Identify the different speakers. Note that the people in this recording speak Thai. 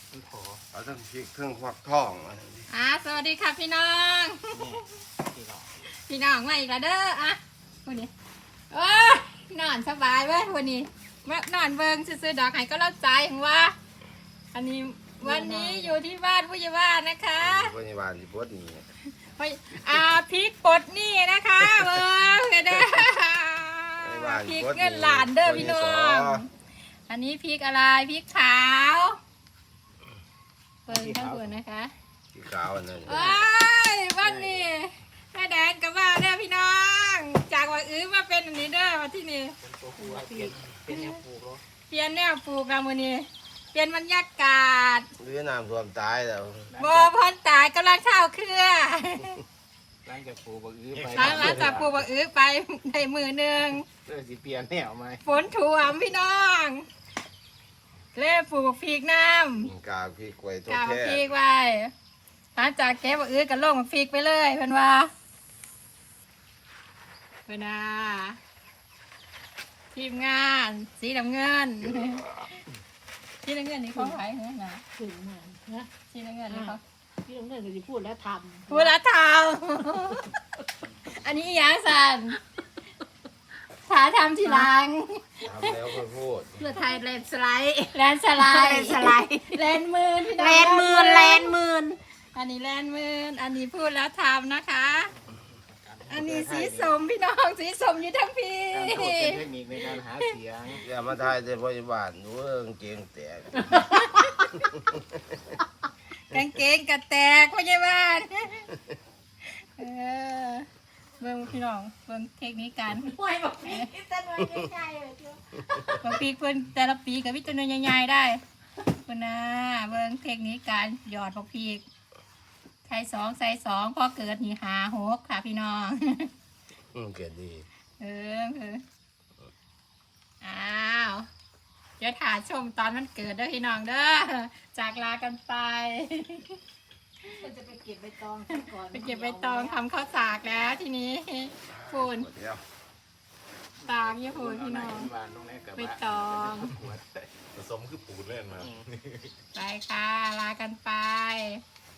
Speaker 1: เอาทั้งพริกเครื่องฟักทองมา
Speaker 2: สวัสดีค่ะพี่น้องพี่น้องมาอีกแล้วเด้อวันนี้นอนสบายเว้ยวันนี้นอนเบิงซื้อดอกไห้ก็เล่าใจของว่าอันนี้วันนี้อยู่ที่บ้านผู้ใหญ่บ้านนะคะ
Speaker 1: ผู้ใหญ่บ้านที่ปวดนี่
Speaker 2: พริกปดนี่นะคะเบิงเด้อพริกเงินหลานเด้อพี่น้องอันนี้พริกอะไรพริกขาวเบิงทั้งหมดนะคะ
Speaker 1: พริกขาวอันนั้น
Speaker 2: วันนี้แม่แดงกับว่าเด้อพี่น้องจากว่ามาเป็นอันนี้เด้อมาที่นี่
Speaker 3: เป็นแนวปลูก
Speaker 2: เปลี่ยนแนวปลูกแล้วมื้อนี้เปลี่ยนบรรยากาศ
Speaker 1: หรือน้ำท่วมตายแล้ว
Speaker 2: บ่พ้นตายกำลังข้าวเครือ
Speaker 3: หลังจากปลูกไป
Speaker 2: หลังจากปลูกไปได้มือหนึ่ง
Speaker 3: สิเปลี่ยนแนวไหม
Speaker 2: ฝนท่วมพี่น้องเล่ปลูกพริกน้
Speaker 1: ำกาพริกไว้ตัว
Speaker 2: แค่
Speaker 1: แค่
Speaker 2: พริกไว้หลังจากเก็บก็ลงพริกไปเลยเพิ่นว่าเพิ่นทีมงานสีน้ำเงินสีน้ำเงินนี่เขาขายเหรอนะ
Speaker 4: ถึงเหมือนนะ
Speaker 2: สีน้ำเงินนี่เขา
Speaker 4: พี่ต้องเดินจะพูดแล้วทำ
Speaker 2: พูดแล้วทำอันนี้อย่างสันถาทำทีหลัง
Speaker 1: ทำแล้วค่อยพูด
Speaker 4: เพื่อไทยแลนสไลด์
Speaker 2: แลนสไลด์แลนมืน
Speaker 4: แลนมืน
Speaker 2: อันนี้แลนมืนอันนี้พูดแล้วทำนะคะอันนี้สีส้มพี่น้องสีส้มอยู่ทั้งพี่
Speaker 3: เป็นเทคนิคในการหาเสียง
Speaker 1: อย่ามาทายแต่ผู้ใหญ่บ้านหนูเก่งแตก
Speaker 2: กางเกงกระแตกพ่อใหญ่บ้านเบิ่งพี่น้องเบิ่งเทคนิคการ
Speaker 4: ป่วยบอกพี่จะนอนใหญ่ๆเลยจ้ะ
Speaker 2: บางปีเพิ่นแต่ละปีกับวิจารณ์ใหญ่ๆได้เพิ่นเบิ่งเทคนิคการหยอดพริกใส่2พอเกิดนี่5-6ค่ะพี่น้อง
Speaker 1: เกิดดี
Speaker 2: อ้าวเดี๋ยวถ่ายชมตอนมันเกิดเด้อพี่น้องเด้อจากลากันไป
Speaker 4: จะไปเก็บใบตองก่อน
Speaker 2: ไปเก็บใบตองทำข้าวสากแล้วทีนี้ฟูนตากยี่ฟูนพี่น้องใบตอง
Speaker 1: ผสมคือปูนเล่นมา
Speaker 2: ไปค่ะลากันไป